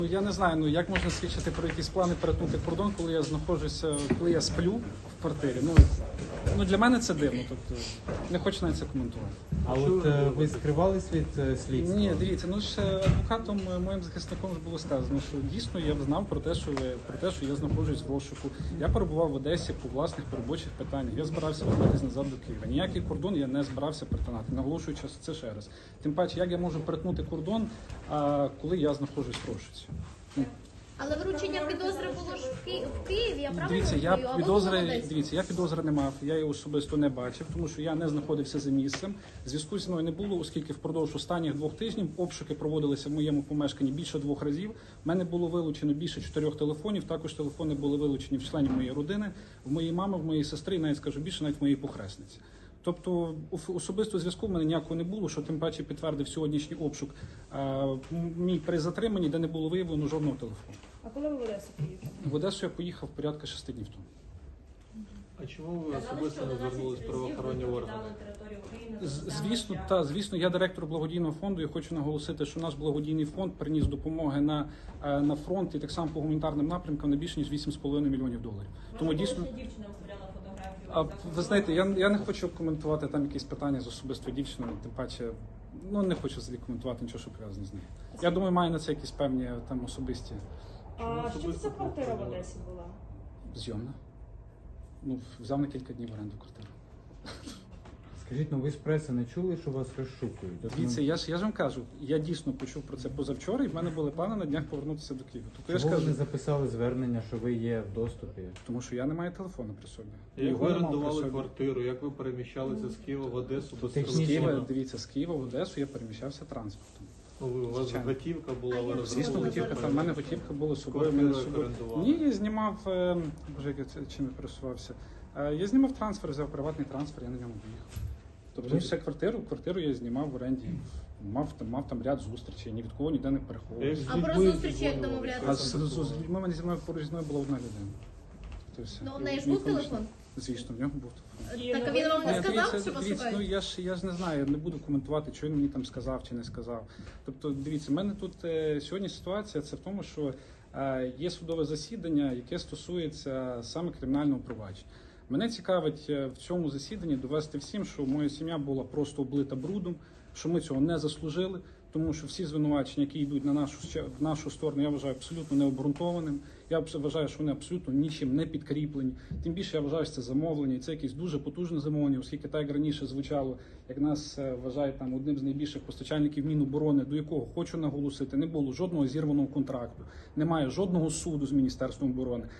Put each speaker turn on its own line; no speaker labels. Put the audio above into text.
Я не знаю, як можна свідчити про якісь плани перетнути кордон, коли я знаходжуся, коли я сплю в квартирі. Для мене це дивно, тобто не хочу навіть це коментувати.
А от ви скривались від слідства?
Ні, дивіться, адвокатом, моїм захисником ж було сказано, що дійсно я знав про те, що я знаходжусь в розшуку. Я перебував в Одесі по власних робочих питаннях. Я збирався вертатись назад до Києва. Ніякий кордон я не збирався перетинати, наголошуючи це ще раз. Тим паче, як я можу перетнути кордон, коли я знаходжусь в розшуці?
Але вручення підозри було ж в Києві, я правильно
Дивіться, я підозри не мав, я її особисто не бачив, тому що я не знаходився за місцем. Зв'язку зі мною не було, оскільки впродовж останніх 2 тижнів обшуки проводилися в моєму помешканні більше 2 разів. У мене було вилучено більше 4 телефонів, також телефони були вилучені в членів моєї родини, в моєї мами, в моєї сестри, і навіть скажу більше, навіть в моєї похресниці. Тобто особисто зв'язку в мене ніякого не було, що тим паче підтвердив сьогоднішній обшук мій при затриманні, де не було виявлено жодного телефону.
А коли ви в Одесу поїхали?
В Одесу я поїхав порядка 6 днів тому.
А чому ви особисто не звернулись в правоохоронні органи?
Звісно, я директор благодійного фонду і хочу наголосити, що наш благодійний фонд приніс допомоги на фронт і так само по гуманітарним напрямкам на більше ніж $8,5 мільйонів. Тому дійсно...
Дівчина виставляла фотографію.
Ви знаєте, я не хочу коментувати там якісь питання з особистою дівчиною, тим паче, не хочу взагалі коментувати нічого, що пов'язано з нею. Я думаю, маю на це якісь певні там особисті...
А що це за квартира в Одесі була?
Зйомна. Взяв на кілька днів в оренду квартиру.
Скажіть, ви з преси не чули, що вас розшукують?
Дивіться, я ж вам кажу, я дійсно почув про це позавчора, і в мене були плани на днях повернутися до Києва.
Чому ви не записали звернення, що ви є в доступі?
Тому що я не маю телефону при собі.
Як ви орендували квартиру, як ви переміщалися з Києва в Одесу без телефону?
Дивіться, з Києва в Одесу я переміщався транспортом.
У вас готівка була, ви
Звісно, готівка, там в мене готівка була з собою. Ні, я знімав, чим я пересувався. Я знімав трансфер, взяв приватний трансфер, я на ньому поїхав. Тобто все квартиру я знімав в оренді, мав там ряд зустрічей, ні від кого ніде не переховувався.
А про зустрічі як домовлятися?
З людьми поруч зі мною була одна людина.
У неї ж був телефон?
Звісно, в нього був телефон.
Так, а він вам не сказав, що вас шукають?
Я ж не знаю, не буду коментувати, що він мені там сказав чи не сказав. Тобто, дивіться, в мене тут сьогодні ситуація, це в тому, що є судове засідання, яке стосується саме кримінального провадження. Мене цікавить в цьому засіданні довести всім, що моя сім'я була просто облита брудом, що ми цього не заслужили, тому що всі звинувачення, які йдуть в нашу сторону, я вважаю абсолютно необґрунтованим. Я вважаю, що вони абсолютно нічим не підкріплені. Тим більше я вважаю, що це замовлення, і це якесь дуже потужне замовлення, оскільки так як раніше звучало, як нас вважають там одним з найбільших постачальників Міноборони, до якого хочу наголосити, не було жодного зірваного контракту, немає жодного суду з Міністерством оборони.